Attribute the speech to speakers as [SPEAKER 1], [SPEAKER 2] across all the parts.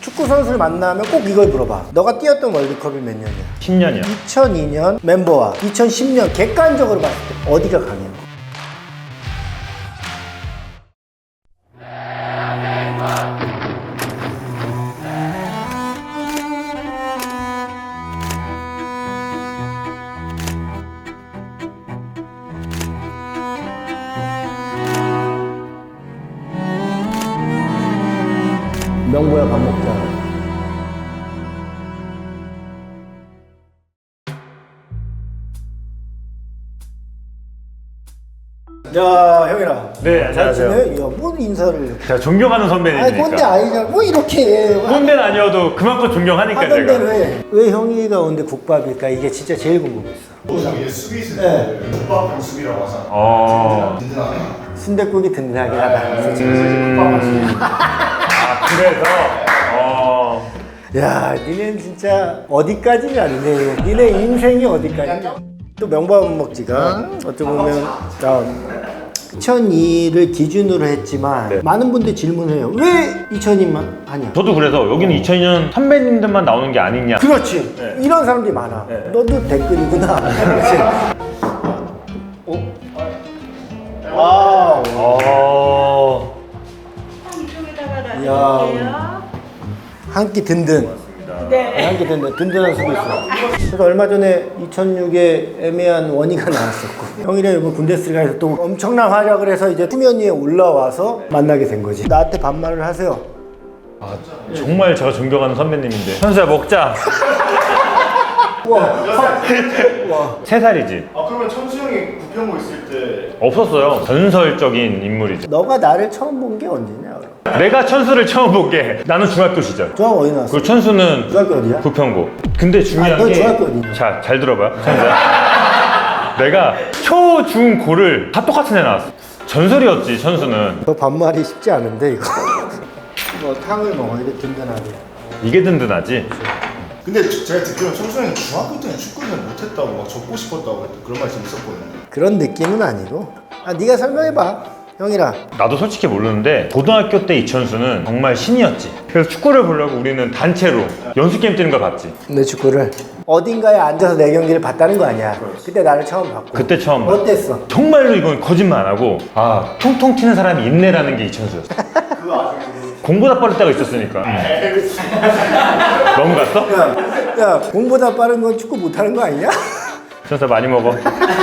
[SPEAKER 1] 축구 선수를 만나면 꼭 이걸 물어봐. 너가 뛰었던 월드컵이 몇 년이야?
[SPEAKER 2] 10년이요.
[SPEAKER 1] 2002년 멤버와 2010년 객관적으로 봤을 때 어디가 강해요? 명보야 밥 먹자. 야, 형이라.
[SPEAKER 2] 네, 안녕하세요.
[SPEAKER 1] 잘 지내? 야, 뭔 인사를.
[SPEAKER 2] 제가 존경하는
[SPEAKER 1] 아니,
[SPEAKER 2] 선배님이니까.
[SPEAKER 1] 꼰대 아니잖아. 뭐 이렇게 해.
[SPEAKER 2] 꼰대는 아니어도 그만큼 존경하니까
[SPEAKER 1] 하던
[SPEAKER 2] 제가.
[SPEAKER 1] 대로 해. 왜 형이가 오는데 국밥일까? 이게 진짜 제일 궁금했어.
[SPEAKER 3] 이게 수비수인데 국밥형 수비라고 하잖아. 든든하네.
[SPEAKER 1] 순댓국이 든든하긴 하다.
[SPEAKER 2] 아, 그래서
[SPEAKER 1] 야, 니네는 진짜 어디까지는 안 돼. 니네 인생이 어디까지. 또 명밥 먹지가 어떻게 보면 2002를 기준으로 했지만
[SPEAKER 2] 네.
[SPEAKER 1] 많은 분들이 질문해요. 왜 2002만 하냐?
[SPEAKER 2] 저도 그래서 여기는 2002년 선배님들만 나오는 게 아니냐.
[SPEAKER 1] 그렇지.
[SPEAKER 2] 네.
[SPEAKER 1] 이런 사람들이 많아.
[SPEAKER 2] 네.
[SPEAKER 1] 너도 댓글이구나. 그렇지. 와우.
[SPEAKER 4] 이쪽에다가
[SPEAKER 1] 이야.
[SPEAKER 4] 놔드릴게요.
[SPEAKER 1] 한 끼 든든.
[SPEAKER 4] 네.
[SPEAKER 1] 한 끼 든든. 든든한 수고 있어. 그래서 얼마 전에 2006에 애매한 원희가 나왔었고 형이랑 이번 군대스리가에서 또 엄청난 활약을 해서 이제 후면 위에 올라와서 만나게 된 거지. 나한테 반말을 하세요.
[SPEAKER 2] 정말 제가 존경하는 선배님인데. 현수야 먹자.
[SPEAKER 1] 와.
[SPEAKER 2] 3살이지.
[SPEAKER 3] 아 그러면 천수 형이 부평고 있을 때
[SPEAKER 2] 없었어요. 전설적인 인물이죠.
[SPEAKER 1] 너가 나를 처음 본 게 언제냐? 그럼?
[SPEAKER 2] 내가 천수를 처음 본 게 나는 중학교 시절.
[SPEAKER 1] 중학교 어디 나왔어?
[SPEAKER 2] 그리고 천수는
[SPEAKER 1] 중학교 어디야?
[SPEAKER 2] 부평고. 근데 중요한
[SPEAKER 1] 너
[SPEAKER 2] 게
[SPEAKER 1] 중학교 어디냐?
[SPEAKER 2] 자, 잘 들어봐요. 천수야. 내가 초, 중, 고를 다 똑같은 애 나왔어. 전설이었지, 천수는.
[SPEAKER 1] 너 반말이 쉽지 않은데 이거. 이거 탕을 먹어야 돼 든든하게.
[SPEAKER 2] 이게 든든하지.
[SPEAKER 3] 근데 제가 듣기로는 천수 형이 중학교 때는 축구를 잘 못했다고 막 접고 싶었다고 그런 말씀이 있었거든요.
[SPEAKER 1] 그런 느낌은 아니고. 아 네가 설명해봐. 형이랑.
[SPEAKER 2] 나도 솔직히 모르는데 고등학교 때 이천수는 정말 신이었지. 그래서 축구를 보려고 우리는 단체로 연습 게임 뛰는 거 봤지.
[SPEAKER 1] 내 축구를 어딘가에 앉아서 내 경기를 봤다는 거 아니야. 그때 나를 처음 봤고.
[SPEAKER 2] 그때 처음 봤
[SPEAKER 1] 어땠어?
[SPEAKER 2] 정말로 이건 거짓말 안 하고 아 통통 튀는 사람이 있네라는 게 이천수였어. 공보다 빠를 때가 있었으니까. 넘어갔어?
[SPEAKER 1] 야 공보다 빠른 건 축구 못하는 거 아니냐?
[SPEAKER 2] 천수 많이 먹어.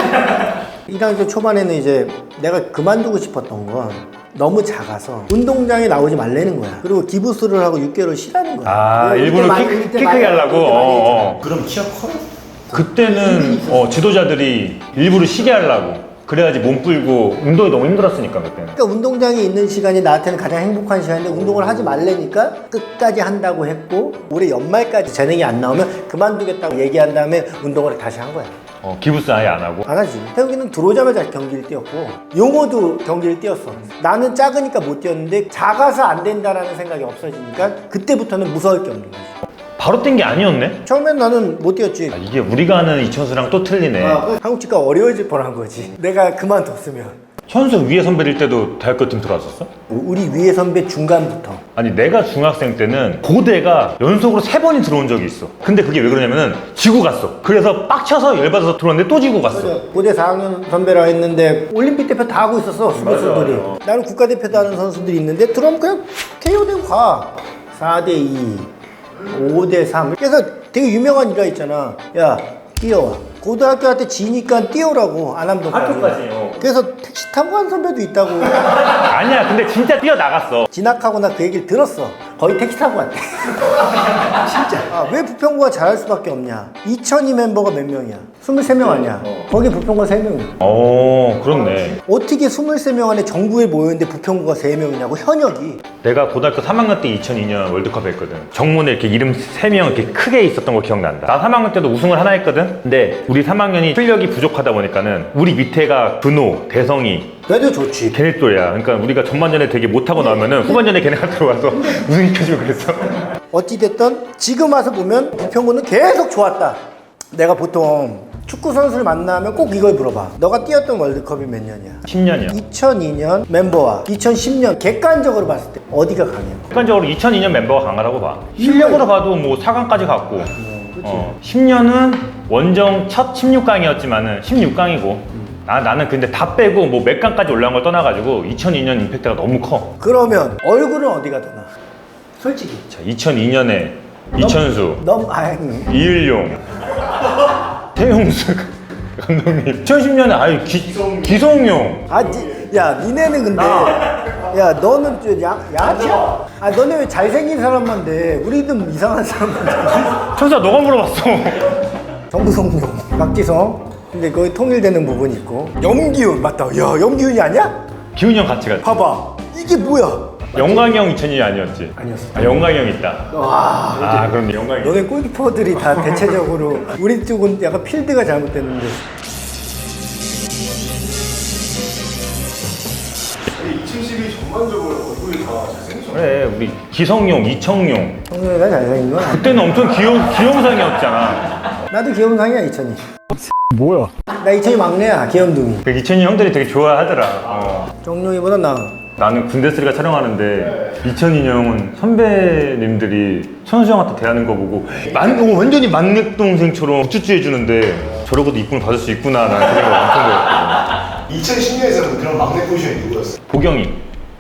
[SPEAKER 1] 1학년 초반에는 이제 내가 그만두고 싶었던 건 너무 작아서 운동장에 나오지 말라는 거야. 그리고 기부스를 하고 6개월 쉬라는 거야.
[SPEAKER 2] 아
[SPEAKER 1] 그때
[SPEAKER 2] 일부러
[SPEAKER 1] 많이-
[SPEAKER 2] 키
[SPEAKER 1] 그때
[SPEAKER 2] 크게
[SPEAKER 1] 많이-
[SPEAKER 2] 하려고.
[SPEAKER 1] 그때 많이 했잖아.
[SPEAKER 3] 그럼 키가 커요?
[SPEAKER 2] 그때는 지도자들이 일부러 쉬게 하려고. 그래야지 몸 불고 운동이 너무 힘들었으니까 그때는.
[SPEAKER 1] 그러니까 운동장에 있는 시간이 나한테는 가장 행복한 시간인데 운동을 하지 말라니까 끝까지 한다고 했고 올해 연말까지 재능이 안 나오면 그만두겠다고 얘기한 다음에 운동을 다시 한 거야.
[SPEAKER 2] 기부스 아예 안 하고.
[SPEAKER 1] 안 하지. 태욱이는 들어오자마자 경기를 뛰었고 용호도 경기를 뛰었어. 나는 작으니까 못 뛰었는데 작아서 안 된다라는 생각이 없어지니까 그때부터는 무서울 게 없는 거지.
[SPEAKER 2] 바로 뛴 게 아니었네?
[SPEAKER 1] 처음엔 나는 못 뛰었지.
[SPEAKER 2] 이게 우리가 아는 이천수랑 또 틀리네.
[SPEAKER 1] 한국 치과 어려워질 뻔한 거지. 내가 그만뒀으면.
[SPEAKER 2] 천수 위에 선배일 때도 대학교 팀 들어왔었어?
[SPEAKER 1] 우리 위에 선배 중간부터.
[SPEAKER 2] 아니 내가 중학생 때는 고대가 연속으로 3번이 들어온 적이 있어. 근데 그게 왜 그러냐면은 지고 갔어. 그래서 빡쳐서 열받아서 들어왔는데 또 지고 갔어.
[SPEAKER 1] 고대 4학년 선배라 했는데 올림픽 대표 다 하고 있었어 수비수들이. 나는 국가대표도 하는 선수들이 있는데 들어오면 그냥 KO되고 가. 4대2 5대3 그래서 되게 유명한 일화 있잖아. 야 뛰어와. 고등학교한테 지니까 뛰어라고 안암동까지. 그래서 택시 타고 간 선배도 있다고.
[SPEAKER 2] 아니야 근데 진짜 뛰어나갔어.
[SPEAKER 1] 진학하고 나 그 얘기를 들었어. 거의 택시 타고 갔대. 진짜. 아, 왜 부평구가 잘할 수밖에 없냐. 2002 멤버가 몇 명이야? 23명 아니야. 거기 부평구가 3명이야.
[SPEAKER 2] 그렇네.
[SPEAKER 1] 어떻게 23명 안에 전국에 모였는데 부평구가 3명이냐고 현역이.
[SPEAKER 2] 내가 고등학교 3학년 때 2002년 월드컵 했거든. 정문에 이렇게 이름 3명 이렇게 크게 있었던 거 기억난다. 나 3학년 때도 우승을 하나 했거든. 근데 우리 3학년이 실력이 부족하다 보니까는 우리 밑에가 근호, 대성이
[SPEAKER 1] 그래도 좋지.
[SPEAKER 2] 걔네 또야. 그러니까 우리가 전반전에 되게 못하고 나오면은 후반전에 걔네가 들어와서 우승시켜주고 그랬어.
[SPEAKER 1] 어찌됐든 지금 와서 보면 부평구는 계속 좋았다. 내가 보통 축구 선수를 만나면 꼭 이걸 물어봐. 너가 뛰었던 월드컵이 몇 년이야?
[SPEAKER 2] 10년이요.
[SPEAKER 1] 2002년 멤버와 2010년 객관적으로 봤을 때 어디가 강해?
[SPEAKER 2] 객관적으로 2002년 멤버가 강하다고 봐. 실력으로 봐도 뭐 4강까지 갔고. 10년은 원정 첫 16강이었지만은 16강이고. 나는 근데 다 빼고 뭐 몇 강까지 올라온 걸 떠나가지고 2002년 임팩트가 너무 커.
[SPEAKER 1] 그러면 얼굴은 어디가 더 나? 솔직히.
[SPEAKER 2] 자, 2002년에 이천수,
[SPEAKER 1] 아니.
[SPEAKER 2] 이일용, 태용수 감독님. 2010년에 아유 기성용.
[SPEAKER 1] 야, 니네는 근데 야, 너는 좀 야치야? 아, 너네 왜 잘생긴 사람만 돼? 우리는 이상한 사람만 돼.
[SPEAKER 2] 천수야 너가 물어봤어.
[SPEAKER 1] 정부성용, 박지성. 근데 거기 통일되는 부분이 있고. 염기훈 맞다. 야, 염기훈이 아니야?
[SPEAKER 2] 기훈이 형 같이 갔지.
[SPEAKER 1] 봐봐. 이게 뭐야?
[SPEAKER 2] 영광이 형 2002년 아니었지?
[SPEAKER 1] 아니었어.
[SPEAKER 2] 아, 영광이 형 있다.
[SPEAKER 1] 와.
[SPEAKER 2] 그럼 영광이 형.
[SPEAKER 1] 너네 골키퍼들이 다 대체적으로 우리 쪽은 약간 필드가 잘못됐는데.
[SPEAKER 3] 2012 전반적으로 얼굴이 다 잘생겼잖아.
[SPEAKER 2] 그래 우리 기성용, 이청용
[SPEAKER 1] 성룡이가 잘생긴 건 아니야.
[SPEAKER 2] 그때는 엄청 귀염상이었잖아.
[SPEAKER 1] 나도 귀염상이야, 이천이.
[SPEAKER 2] 뭐야?
[SPEAKER 1] 나 이천이 막내야, 귀염둥이.
[SPEAKER 2] 그 이천이 형들이 되게 좋아하더라.
[SPEAKER 1] 정룡이보다 나.
[SPEAKER 2] 나는 군대쓰리가 촬영하는데 2002년은 선배님들이 천수 형한테 대하는 거 보고 완전히 만렙 동생처럼 우쭈쭈 해주는데 저러고도 이쁨을 받을 수 있구나 라는 그 생각을 엄청 들었거든.
[SPEAKER 3] 2010년에서는 그런 막내 포지션이 누구였어?
[SPEAKER 2] 보경이.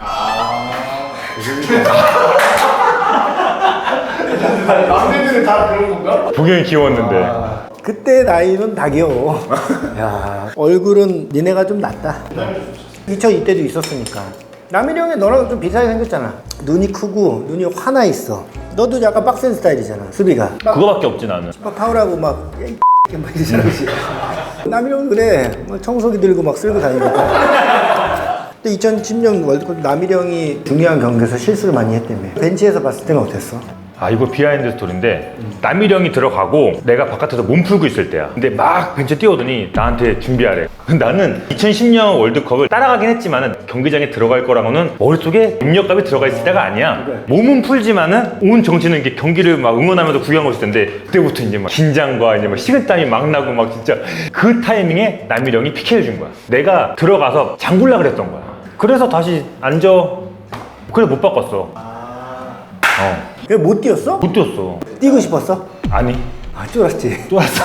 [SPEAKER 3] 막내들은 다 그런 건가?
[SPEAKER 2] 보경이 귀여웠는데.
[SPEAKER 1] 그때 나이는 다 귀여워. 야, 얼굴은 니네가 좀 낫다. 2002 때도 있었으니까. 남일이 형이 너랑 좀 비슷하게 생겼잖아. 눈이 크고 눈이 화나 있어. 너도 약간 빡센 스타일이잖아, 수비가.
[SPEAKER 2] 그거밖에 없지 나는.
[SPEAKER 1] 막 파울하고 막 이러잖아. 남일이 형은 그래. 막 청소기 들고 막 쓸고 다니니까. 근데 2010년 월드컵 남일이 형이 중요한 경기에서 실수를 많이 했다며. 벤치에서 봤을 때는 어땠어?
[SPEAKER 2] 아 이거 비하인드 스토리인데 남일형이 들어가고 내가 바깥에서 몸 풀고 있을 때야. 근데 막 벤치에 뛰어오더니 나한테 준비하래. 나는 2010년 월드컵을 따라가긴 했지만은 경기장에 들어갈 거라고는 머릿속에 입력감이 들어가 있을 때가 아니야. 몸은 풀지만은 온 정신은 이게 경기를 막 응원하면서 구경하고 있을 텐데 그때부터 이제 막 긴장과 이제 막 식은땀이 막 나고 막 진짜 그 타이밍에 남일형이 PK를 준 거야. 내가 들어가서 장굴라 그랬던 거야. 그래서 다시 앉아. 그래 못 바꿨어.
[SPEAKER 1] 그래 못 뛰었어?
[SPEAKER 2] 못 뛰었어.
[SPEAKER 1] 뛰고 싶었어?
[SPEAKER 2] 아니
[SPEAKER 1] 아, 쫄았지.
[SPEAKER 2] 또 왔어.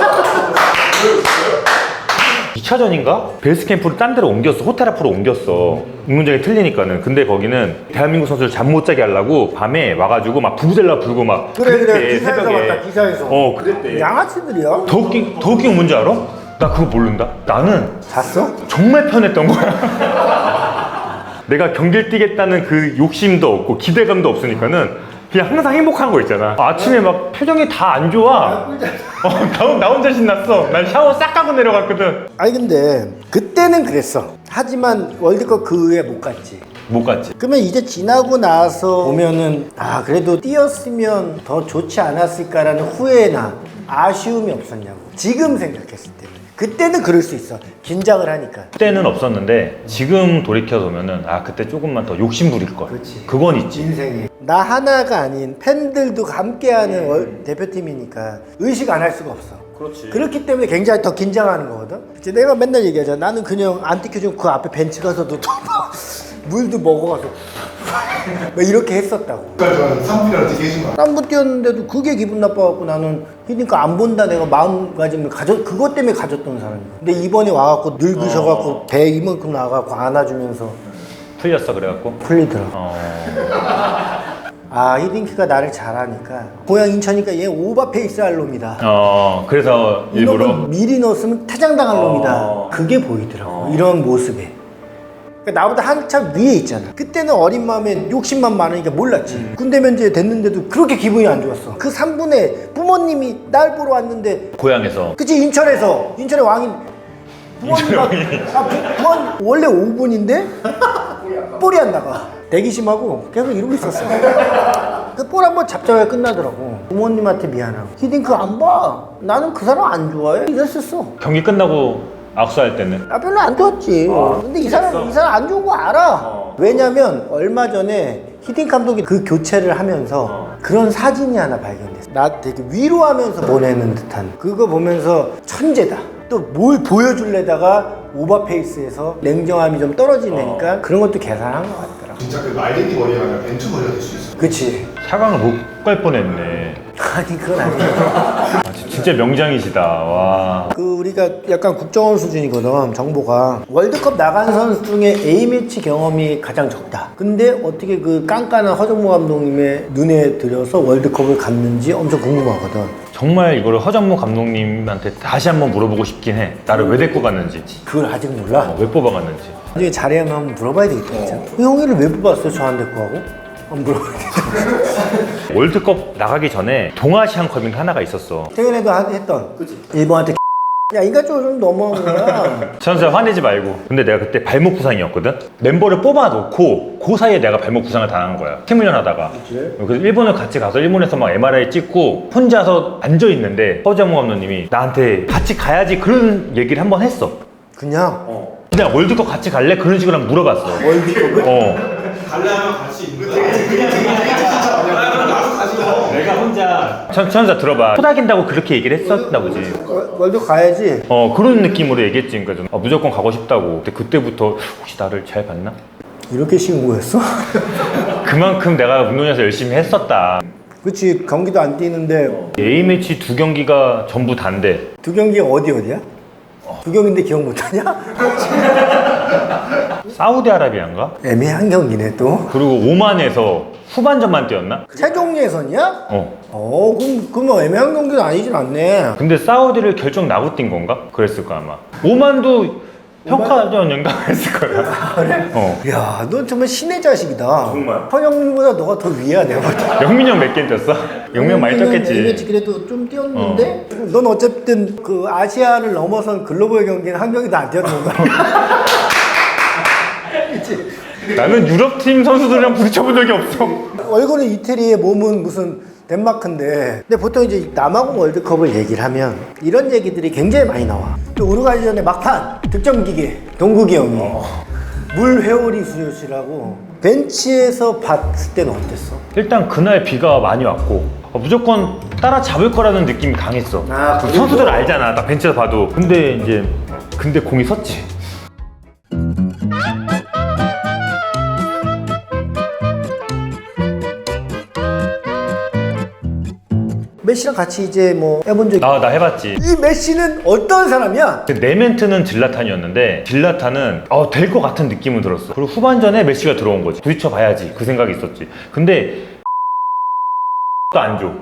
[SPEAKER 2] 2차전인가? 베이스 캠프를 딴 데로 옮겼어. 호텔 앞으로 옮겼어. 운동장이 틀리니까는. 근데 거기는 대한민국 선수를 잠 못 자게 하려고 밤에 와가지고 막 부부젤라 불고 막
[SPEAKER 1] 그래 기사에서 봤다, 기사에서.
[SPEAKER 2] 그랬대.
[SPEAKER 1] 양아치들이야.
[SPEAKER 2] 더 웃긴 건 뭔지 알아? 나 그거 모른다. 나는
[SPEAKER 1] 잤어?
[SPEAKER 2] 정말 편했던 거야. 내가 경기를 뛰겠다는 그 욕심도 없고 기대감도 없으니까는 그냥 항상 행복한 거 있잖아. 아침에 막 표정이 다 안 좋아. 나 혼자 신났어. 난 샤워 싹 하고 내려갔거든.
[SPEAKER 1] 아니 근데 그때는 그랬어. 하지만 월드컵 그 후에 못 갔지.
[SPEAKER 2] 못 갔지.
[SPEAKER 1] 그러면 이제 지나고 나서 보면은 아 그래도 뛰었으면 더 좋지 않았을까라는 후회나 아쉬움이 없었냐고. 지금 생각했을 때. 그때는 그럴 수 있어. 긴장을 하니까.
[SPEAKER 2] 그때는 없었는데 지금 돌이켜보면은 아 그때 조금만 더 욕심 부릴 걸.
[SPEAKER 1] 그렇지.
[SPEAKER 2] 그건 있지.
[SPEAKER 1] 인생에 나 하나가 아닌 팬들도 함께하는 대표팀이니까 의식 안 할 수가 없어.
[SPEAKER 2] 그렇지.
[SPEAKER 1] 그렇기 때문에 굉장히 더 긴장하는 거거든. 이제 내가 맨날 얘기하잖아. 나는 그냥 안 뛰켜주면 그 앞에 벤치 가서도 또 물도 먹어가서 막 이렇게 했었다고.
[SPEAKER 3] 그러니까 3분이라도 되게 해준 거야.
[SPEAKER 1] 땀 못 뛰었는데도 그게 기분 나빠갖고 나는 그러니까 안 본다 내가 마음가짐을 그것 때문에 가졌던 사람이야. 근데 이번에 와갖고 늙으셔갖고 배 이만큼 나와갖고 안아주면서
[SPEAKER 2] 풀렸어 그래갖고.
[SPEAKER 1] 풀리더라. 아 히딩크가 나를 잘하니까 고향 인천이니까 얘 오버페이스 할 놈이다.
[SPEAKER 2] 그래서 일부러.
[SPEAKER 1] 이놈은 미리 넣었으면 퇴장당할 놈이다. 그게 보이더라고. 이런 모습에. 그러니까 나보다 한참 위에 있잖아. 그때는 어린 마음에 욕심만 많으니까 몰랐지. 군대 면제 됐는데도 그렇게 기분이 안 좋았어. 그 3분에 부모님이 날 보러 왔는데
[SPEAKER 2] 고향에서.
[SPEAKER 1] 그치 인천에서 인천의 왕인 부모님과 부모님 원래 5분인데 볼이 안 나가. 대기심하고 계속 이러고 있었어. 그 볼 한번 잡자마자 끝나더라고. 부모님한테 미안하고 히딩크 안 봐. 나는 그 사람 안 좋아해. 이랬었어.
[SPEAKER 2] 경기 끝나고 악수할 때는.
[SPEAKER 1] 나 별로 안 좋았지. 근데 이 사람 안 좋은 거 알아. 왜냐면 얼마 전에 히딩 감독이 그 교체를 하면서 그런 사진이 하나 발견됐어. 나 되게 위로하면서 보내는 듯한 그거 보면서 천재다. 또 뭘 보여줄래다가 오버페이스에서 냉정함이 좀 떨어지니까 그런 것도 계산한 것 같더라.
[SPEAKER 3] 진짜 그 마이데니 머리가 아니라 벤투 머리가 될 수 있어.
[SPEAKER 1] 그치.
[SPEAKER 2] 4강을 못 갈 뻔했네.
[SPEAKER 1] 아니 그건 아니야.
[SPEAKER 2] 아, 진짜 명장이시다. 와.
[SPEAKER 1] 그 우리가 약간 국정원 수준이거든. 정보가 월드컵 나간 선수 중에 A매치 경험이 가장 적다. 근데 어떻게 그 깐깐한 허정무 감독님의 눈에 들여서 월드컵을 갔는지 엄청 궁금하거든.
[SPEAKER 2] 정말 이거를 허정무 감독님한테 다시 한번 물어보고 싶긴 해. 나를 왜 데리고 갔는지,
[SPEAKER 1] 그걸 아직 몰라.
[SPEAKER 2] 왜 뽑아갔는지.
[SPEAKER 1] 나중에 자리하면 한번 물어봐야 되겠다. 진짜. 형이를 왜 뽑았어요? 저 안 데리고 가고? 한번 물어봐야겠다.
[SPEAKER 2] 월드컵 나가기 전에 동아시안컵인가 하나가 있었어.
[SPEAKER 1] 최근에도 했던 일본한테 야 인간적으로 좀 너무한 거야.
[SPEAKER 2] 선수야 화내지 말고. 근데 내가 그때 발목 부상이었거든? 멤버를 뽑아놓고 그 사이에 내가 발목 부상을 당한 거야. 팀 훈련하다가. 그래서 일본을 같이 가서 일본에서 막 MRI 찍고 혼자서 앉아있는데 허정무 감독님이 나한테 같이 가야지 그런 얘기를 한번 했어.
[SPEAKER 1] 그냥
[SPEAKER 2] 그냥 월드컵 같이 갈래? 그런 식으로 한번 물어봤어. 월드컵을?
[SPEAKER 5] 갈라면 갈 수 있는 거야. 그럼 나도 가지고.
[SPEAKER 2] 내가 혼자 천사 들어봐. 토닥인다고 그렇게 얘기를 했었나 보지.
[SPEAKER 1] 월드 가야지.
[SPEAKER 2] 그런 느낌으로 얘기했지. 그러니까 좀, 무조건 가고 싶다고. 근데 그때부터 혹시 나를 잘 봤나?
[SPEAKER 1] 이렇게 쉬운 거였어?
[SPEAKER 2] 그만큼 내가 운동에서 열심히 했었다.
[SPEAKER 1] 그치 경기도 안 뛰는데
[SPEAKER 2] A매치 2경기가 전부 단데
[SPEAKER 1] 두 경기가 어디야? 두 경기인데 기억 못하냐?
[SPEAKER 2] 사우디아라비아인가?
[SPEAKER 1] 애매한 경기네 또.
[SPEAKER 2] 그리고 오만에서 후반전만 뛰었나?
[SPEAKER 1] 최종 예선이야? 그럼 뭐 애매한 경기는 아니진 않네.
[SPEAKER 2] 근데 사우디를 결정 나고 뛴 건가? 그랬을 거야 아마. 오만도 평가전인가 했을 거야.
[SPEAKER 1] 그래? 야, 너 정말 신의 자식이다.
[SPEAKER 2] 정말?
[SPEAKER 1] 허영민보다 너가 더 위야 내가 볼 때.
[SPEAKER 2] 영민이 형 몇 개 뛰었어? 영민이 형 많이 뛰었겠지.
[SPEAKER 1] A매치 그래도 좀 뛰었는데 넌 어쨌든 그 아시아를 넘어선 글로벌 경기는 한 경기도 안 뛰었는 거야.
[SPEAKER 2] 나는 유럽팀 선수들이랑 부딪혀본 적이 없어.
[SPEAKER 1] 얼굴은 이태리에 몸은 무슨 덴마크인데 근데 보통 이제 남아공 월드컵을 얘기를 하면 이런 얘기들이 굉장히 많이 나와. 또 우루과이 전에 막판 득점기계 동국이 형이 물 회오리 수요시라고 벤치에서 봤을 때는 어땠어?
[SPEAKER 2] 일단 그날 비가 많이 왔고 무조건 따라잡을 거라는 느낌이 강했어.
[SPEAKER 1] 그리고?
[SPEAKER 2] 선수들 알잖아. 딱 벤치에서 봐도. 근데 공이 섰지.
[SPEAKER 1] 메시랑 같이 이제 뭐 해본 적이
[SPEAKER 2] 나 해봤지.
[SPEAKER 1] 이 메시는 어떤 사람이야?
[SPEAKER 2] 내 멘트는 질라탄이었는데 질라탄은 될 것 같은 느낌은 들었어. 그리고 후반전에 메시가 들어온 거지. 부딪혀 봐야지 그 생각이 있었지. 근데 또 안 줘.